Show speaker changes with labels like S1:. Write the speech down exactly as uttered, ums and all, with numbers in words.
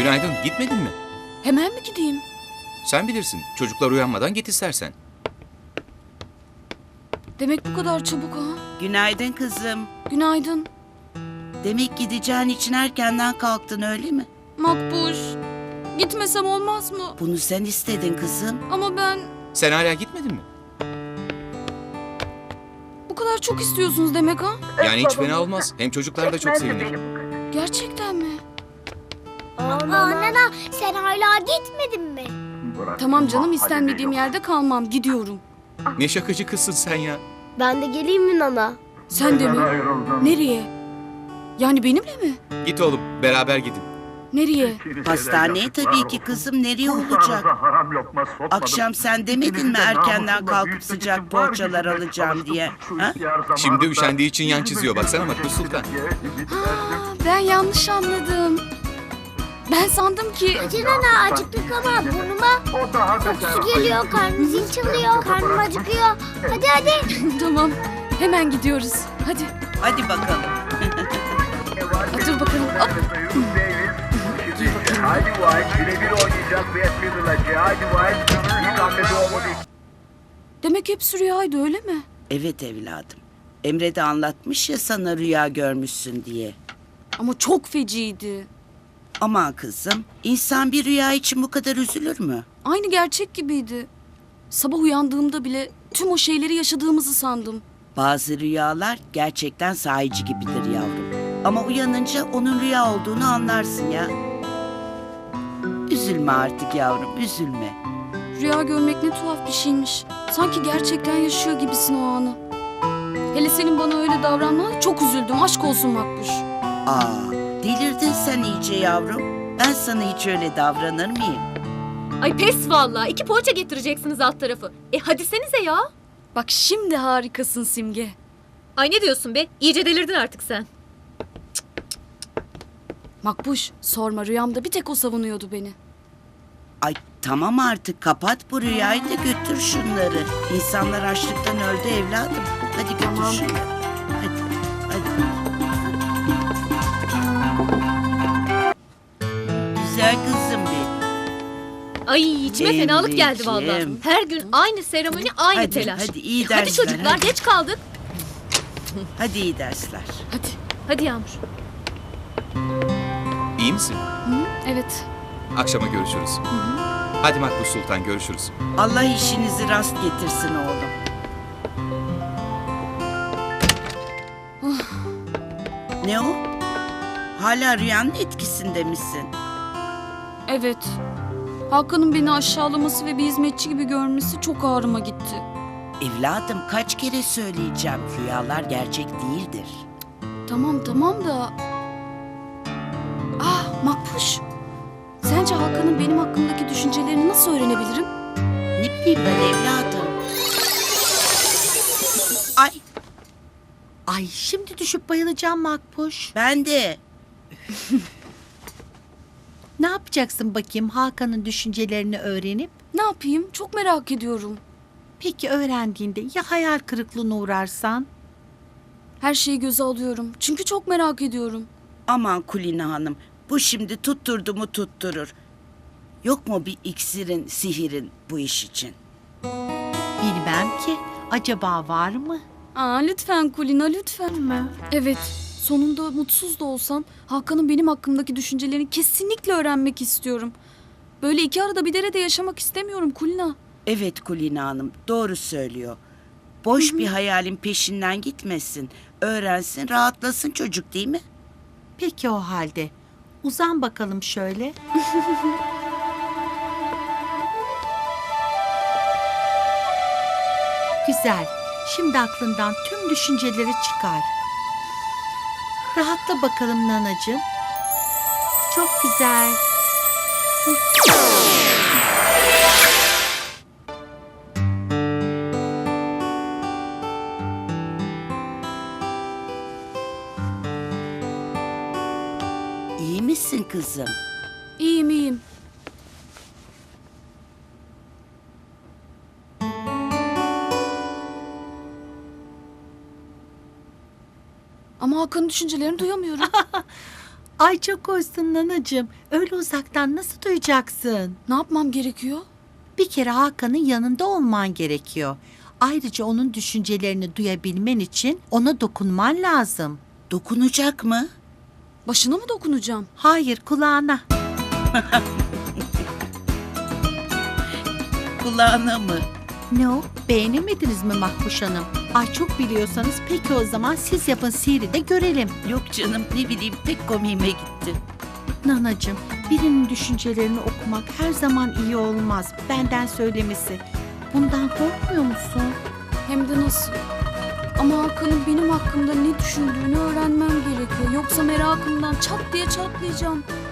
S1: Günaydın. Gitmedin mi?
S2: Hemen mi gideyim?
S1: Sen bilirsin. Çocuklar uyanmadan git istersen.
S2: Demek bu kadar çabuk ha?
S3: Günaydın kızım.
S2: Günaydın.
S3: Demek gideceğin için erkenden kalktın öyle mi?
S2: Makbuş. Gitmesem olmaz mı?
S3: Bunu sen istedin kızım.
S2: Ama ben
S1: Sen hala gitmedin mi?
S2: bu kadar çok istiyorsunuz demek ha?
S1: Yani hiç fena olmaz. Hem çocuklar da çok sevinir.
S2: Gerçekten mi?
S4: Aa nana sen hala gitmedin mi?
S2: Tamam canım, istenmediğim yerde kalmam. Gidiyorum.
S1: Ne şakacı kızsın sen ya.
S4: Ben de geleyim mi nana?
S2: Sen de mi? Nereye? Yani benimle mi?
S1: Git oğlum. Beraber gidin.
S2: Nereye?
S3: Hastaneye tabii ki kızım, nereye olacak? Akşam sen demedin mi erkenden kalkıp sıcak poğaçalar alacağım diye? Ha?
S1: Şimdi üşendiği için yan çiziyor. Baksana Makbul Sultan.
S2: Ha, ben yanlış anladım. Ben sandım ki...
S4: Hadi nana acıktık ama burnuma kokusu geliyor, karnım zil çalıyor, karnım acıkıyor. Hadi hadi.
S2: Tamam, hemen gidiyoruz. Hadi,
S3: Hadi bakalım.
S2: otur bakalım. Hop.
S5: Haydi White birebir oynayacak ve Fiddle'acı. Haydi White ilk hamlede olmadı.
S2: Demek hepsi rüyaydı, öyle mi?
S3: Evet evladım. Emre de anlatmış ya sana rüya görmüşsün diye.
S2: Ama çok feciydi.
S3: Aman kızım, insan bir rüya için bu kadar üzülür mü?
S2: Aynı gerçek gibiydi. Sabah uyandığımda bile tüm o şeyleri yaşadığımızı sandım.
S3: Bazı rüyalar gerçekten sahici gibidir yavrum. Ama uyanınca onun rüya olduğunu anlarsın ya. Üzülme artık yavrum, üzülme.
S2: Rüya görmek ne tuhaf bir şeymiş. Sanki gerçekten yaşıyor gibisin o anı. Hele senin bana öyle davranmana çok üzüldüm. Aşk olsun Makbuş.
S3: Aa, delirdin sen iyice yavrum. Ben sana hiç öyle davranır mıyım?
S6: Ay pes vallahi. İki poğaça getireceksiniz alt tarafı. E hadi senize ya.
S2: Bak şimdi harikasın Simge.
S6: Ay ne diyorsun be? İyice delirdin artık sen.
S2: Makbuş, sorma, rüyamda bir tek o savunuyordu beni.
S3: Ay tamam artık, kapat bu rüyayı da götür şunları. İnsanlar açlıktan öldü evladım. Hadi götür
S2: Tamam.
S3: şunları. Hadi, hadi. Güzel kızım benim.
S6: Ay içime fenalık geldi
S3: Emreciğim.
S6: vallahi. Her gün aynı seremoni, aynı
S3: Hadi,
S6: telaş.
S3: hadi, iyi
S6: E, hadi
S3: dersler,
S6: çocuklar
S3: hadi.
S6: geç kaldık.
S3: Hadi iyi dersler.
S2: Hadi.
S6: Hadi Yağmur.
S1: İyi misin?
S2: Hı, evet.
S1: Akşama görüşürüz. Hadi Makbul Sultan, görüşürüz.
S3: Allah işinizi rast getirsin oğlum. Ne o? Hala rüyanın etkisinde misin?
S2: Evet. Hakan'ın beni aşağılaması ve bir hizmetçi gibi görmesi çok ağrıma gitti.
S3: Evladım kaç kere söyleyeceğim, rüyalar gerçek değildir.
S2: Tamam tamam da... Ah Makbuş. Sence Hakan'ın benim hakkımdaki düşüncelerini nasıl öğrenebilirim?
S3: Ne bileyim ben evladım. Ay
S7: Ay şimdi düşüp bayılacağım Makbuş.
S3: ben de.
S7: Ne yapacaksın bakayım Hakan'ın düşüncelerini öğrenip?
S2: Ne yapayım? Çok merak ediyorum.
S7: Peki öğrendiğinde ya hayal kırıklığına uğrarsan?
S2: Her şeyi göze alıyorum. Çünkü çok merak ediyorum.
S3: Aman Kulina Hanım, bu şimdi tutturdu mu tutturur. Yok mu bir iksirin, sihirin bu iş için?
S7: Bilmem ki. Acaba var mı?
S2: Aa, lütfen Kulina, lütfen.
S7: Mı?
S2: Evet, sonunda mutsuz da olsam Hakan'ın benim hakkımdaki düşüncelerini kesinlikle öğrenmek istiyorum. Böyle iki arada bir derede yaşamak istemiyorum Kulina.
S3: Evet Kulina Hanım, doğru söylüyor. Boş bir hayalin peşinden gitmesin. Öğrensin, rahatlasın çocuk, değil mi?
S7: Peki o halde. Uzan bakalım şöyle. Güzel. Şimdi aklından tüm düşünceleri çıkar. Rahatla bakalım nanacığım. Çok güzel.
S3: İyi misin kızım?
S2: İyiyim iyiyim. Ama Hakan'ın düşüncelerini duyamıyorum.
S7: Ay çok hoşsun nanacığım. Öyle uzaktan nasıl duyacaksın?
S2: Ne yapmam gerekiyor?
S7: Bir kere Hakan'ın yanında olman gerekiyor. Ayrıca onun düşüncelerini duyabilmen için ona dokunman lazım.
S3: Dokunacak mı?
S2: Başına mı dokunacağım?
S7: Hayır, kulağına.
S3: Kulağına mı?
S7: Ne o? Beğenemediniz mi Makbuş Hanım? Ay çok biliyorsanız peki o zaman siz yapın, sihri de görelim.
S3: Yok canım, ne bileyim, pek komiğime gitti.
S7: Nanacığım, birinin düşüncelerini okumak her zaman iyi olmaz. Benden söylemesi. Bundan korkmuyor musun?
S2: Hem de nasıl? Ama Hakan'ın benim hakkımda ne düşündüğünü öğrenmem gerekiyor. Yoksa merakımdan çat diye çatlayacağım.